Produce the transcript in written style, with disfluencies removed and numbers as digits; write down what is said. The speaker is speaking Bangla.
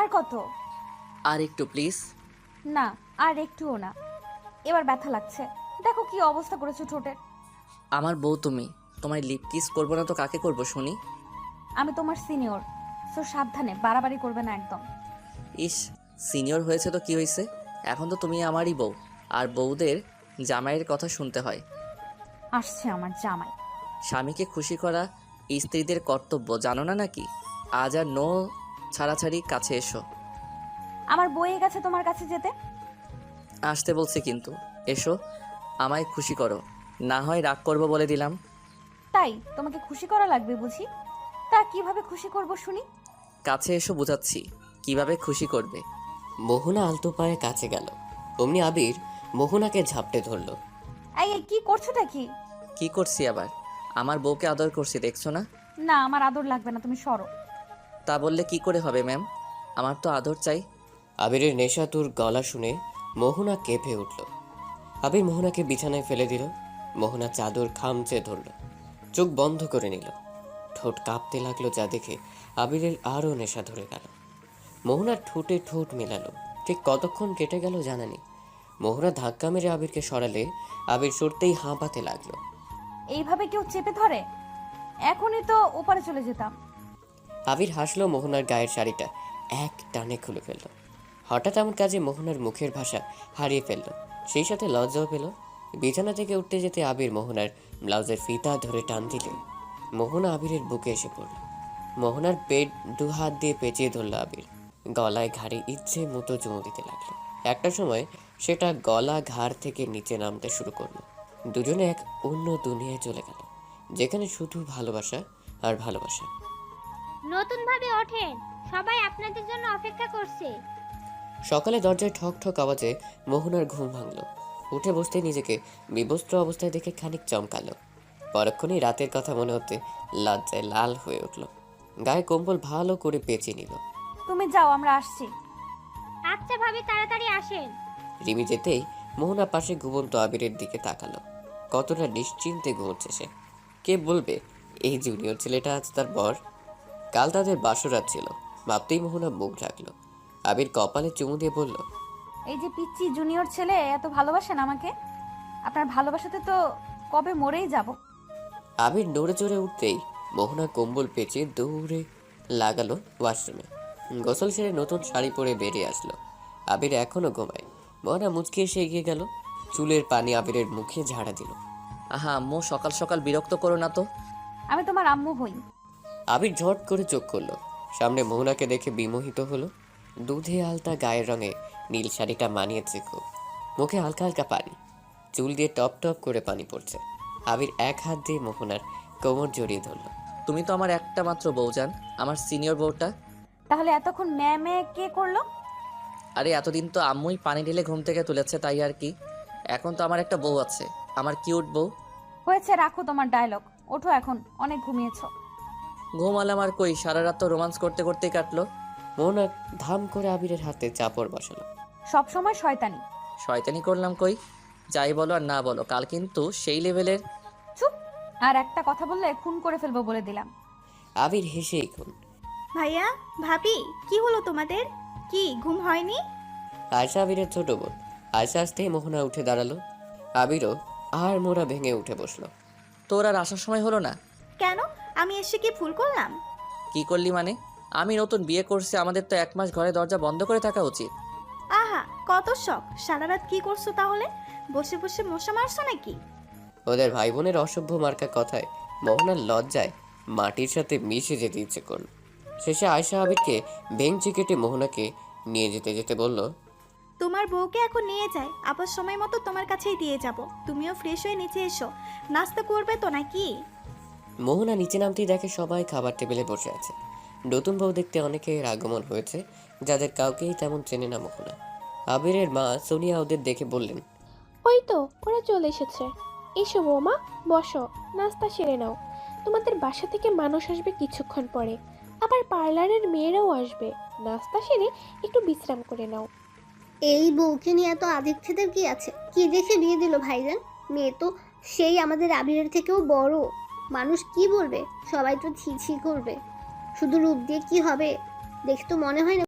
আর কত? আর একটু প্লিজ। না, আর একটুও না। এবার ব্যথা লাগছে। দেখো কি অবস্থা করেছো ঠোঁটের। আমার বউ তুমি, তোমায় লিপ কিস করবো না তো কাকে করবো শুনি? আমি তোমার সিনিয়র, সো সাবধানে, বাড়াবাড়ি করবে না একদম। ইস, সিনিয়র হয়েছে তো কি হয়েছে, এখন তো তুমি আমারই বউ, আর বউদের জামাইয়ের কথা শুনতে হয়। আসছে আমার জামাই। স্বামীকে খুশি করা স্ত্রীদের কর্তব্য, জানো না নাকি? আজ আর নো ছাড়াছাড়ি, কাছে এসো। আমার বইয়ে গেছে তোমার কাছে যেতে। আসতে বলছি কিন্তু, এসো, আমায় খুশি করো, না হয় রাগ করবো বলে দিলাম। তাই তোমাকে খুশি করা লাগবে বুঝি? তা কিভাবে খুশি করব শুনি। কাছে এসো, বুঝাচ্ছি কিভাবে খুশি করবে। মোহনা আলতো পায়ে কাছে গেল। অমনি আবির মোহনাকে ঝাপটে ধরল। এই এই, কি করছোটা কি? কি করছি আবার? আমার বউকে আদর করছি, দেখছো না? না, আমার আদর লাগবে না, তুমি সরো। তা বললে কি করে হবে ম্যাম, আমার তো আদর চাই। আবিরের নেশাতুর গলা শুনে মোহনা কেঁপে উঠল। আবির মোহনাকে বিছানায় ফেলে দিল। মোহনা চাদর খামচে ধরল, চোখ বন্ধ করে নিল। ঠোঁট কাঁপতে লাগলো, যা দেখে আবিরের আরও নেশা ধরে গেল। মোহনার ঠোঁটে ঠোঁট মেলালো। ঠিক কতক্ষণ কেটে গেল জানা নেই। মোহনা ধাক্কা মেরে আবিরকে সরালে আবির সরতেই হাঁপাতে লাগলো। এইভাবে কেউ চেপে ধরে? এখনই তো ওপারে চলে যেতাম। আবির হাসলো, মোহনার গায়ের শাড়িটা এক টানে খুলে ফেলল। হঠাৎ এমন কাজে মোহনার মুখের ভাষা হারিয়ে ফেলল, সেই সাথে লজ্জাও পেল। বিছানা থেকে উঠতে যেতে আবির মোহনার ব্লাউজের ফিতা ধরে টান দিলে মোহনা আবিরের বুকে এসে পড়ল। মোহনার পেট দু হাত দিয়ে পেঁচিয়ে ধরল আবির। গলায় ঘাড়ে ইচ্ছে মতো চুমু দিতে লাগলো। একটা সময় সেটা গলা ঘাড় থেকে নিচে নামতে শুরু করলো। দুজনে এক অন্য দুনিয়ায় চলে গেল, যেখানে শুধু ভালোবাসা আর ভালোবাসা। নতুন ভাবে ওঠেন, সবাই আপনাদের জন্য অপেক্ষা করছে। সকালে দরজায় ঠক ঠক আওয়াজে মোহনার ঘুম ভাঙল। উঠে বসতে নিজেকে বিবস্ত্র অবস্থায় দেখে খানিক চমকালো। পরক্ষণেই রাতের কথা মনে হতে লজ্জায় লাল হয়ে উঠল। গায়ে কম্বল ভালো করে পেঁচিয়ে নিল। তুমি যাও, আমরা আসছি। আচ্ছা ভাবি, তাড়াতাড়ি আসেন। রিমি যেতেই মোহনা পাশে ঘুমন্ত আবিরের দিকে তাকালো। কতটা নিশ্চিন্তে ঘুমোচ্ছে সে। কে বলবে এই জুনিয়র ছেলেটা আজ তার বর? কাল তাদের বাসরাত ছিল, ভাবতেই মোহনা মুখ ঢাকলো। আবির কপালে চুমু দিয়ে বলল, এই যে পিচ্চি জুনিয়র ছেলে এত ভালোবাসেন আমাকে, আপনার ভালোবাসাতে তো কবে মরেই যাব। আবির নড়ে চড়ে উঠতেই মোহনা কম্বল পেঁচিয়ে দৌড়ে লাগালো ওয়াশরুমে। গোসল সেরে নতুন শাড়ি পরে বেরিয়ে আসলো। আবির এখনো ঘুমায়। মোহনা মুচকি এসে এগিয়ে গেল, চুলের পানি আবিরের মুখে ঝাড়া দিল। আহা আম্মু, সকাল সকাল বিরক্ত করো না তো। আমি তোমার আম্মু হই। আবির ঝট করে চোখ করলো, সামনে মোহনাকে দেখে বিমোহিত হলো। দুধে আলতা গায়ের রঙে নীল শাড়িটা মানিয়েছে খুব। মুখে হালকা হালকা পানি, চুল দিয়ে টপ টপ করে পানি পড়ছে। আবির এক হাত দিয়ে মোহনার কোমর জড়িয়ে ধরলো। তুমি তো আমার একটা মাত্র বউজান, আমার সিনিয়র বউটা। তাহলে এতক্ষণ ম্যামে কে করলো? আরে এতদিন তো আম্মুই পানি ঢেলে ঘুম থেকে তুলেছে, তাই আর কি। এখন তো আমার একটা বউ আছে, আমার কিউট বউ। হয়েছে, রাখো তোমার ডায়লগ। ওঠো এখন, অনেক ঘুমিয়েছো। ঘুমালাম আর কই, সারা রাত তো রোমান্স করতে করতেই কাটলো। মোহনা ধাম করে আবিরের হাতে চাপড় বসালো। সব সময় শয়তানি। শয়তানি করলাম কই? যাই বলো আর না বলো, কাল কিন্তু সেই লেভেলের। চুপ। আর একটা কথা বললে খুন করে ফেলবো বলে দিলাম। আবির হেসেই খুন। ভাইয়া, ভাবি, কি হলো তোমাদের? কি ঘুম হয়নি? আয়শা আবিরের ছোট বোন। আয়শা আসতেই মোহনা উঠে দাঁড়ালো। আবিরও আর মোড়া ভেঙে উঠে বসলো। তোর আর আসার সময় হলো না? কেন? আমি এসে কি ভুল করলাম? কি করলি মানে? আমি নতুন বিয়ে করছি, আমাদের তো 1 মাস ঘরে দরজা বন্ধ করে থাকা উচিত। আহা, কত শখ! সারা রাত কি করছো তাহলে? বসে বসে মশা মারছো নাকি? ওদের ভাই বোনের অসভ্য মার্কা কথায় মোহনার লজ্জায় মাটির সাথে মিশে যেতে ইচ্ছে করল। শেষে আয়শা আবিরকে বেঞ্চি কেটে মোহনাকে নিয়ে যেতে যেতে বলল, তোমার বউকে এখন নিয়ে যাই, আবার সময় মতো তোমার কাছেই দিয়ে যাব। তুমিও ফ্রেশ হয়ে নিচে এসো। নাস্তা করবে তো নাকি? মোহনা নিচে নামতেই দেখে সবাই খাবার টেবিলে বসে আছে। নতুন বউ দেখতে অনেকের আগমন হয়েছে, যাদের কাউকেই তেমন চেনে না মোহনা। আবিরের মা সোনিয়া ওদের দেখে বললেন, ওই তো ওরা চলে এসেছে। এসো বৌমা, বসো, নাস্তা সেরে নাও। তোমাদের বাসা থেকে মানুষ আসবে কিছুক্ষণ পরে, আবার পার্লারের মেয়েরাও আসবে। নাস্তা সেরে একটু বিশ্রাম করে নাও। এই বউকে নিয়ে এত আদিক্ষেদের কি আছে? কি দেখে বিয়ে দিল ভাইজান? মেয়ে তো সেই আমাদের আবিরের থেকেও বড়। মানুষ কি বলবে? সবাই তো ছি ছি করবে। শুধু রূপ দিয়ে কি হবে? দেখে তো মনে হয় না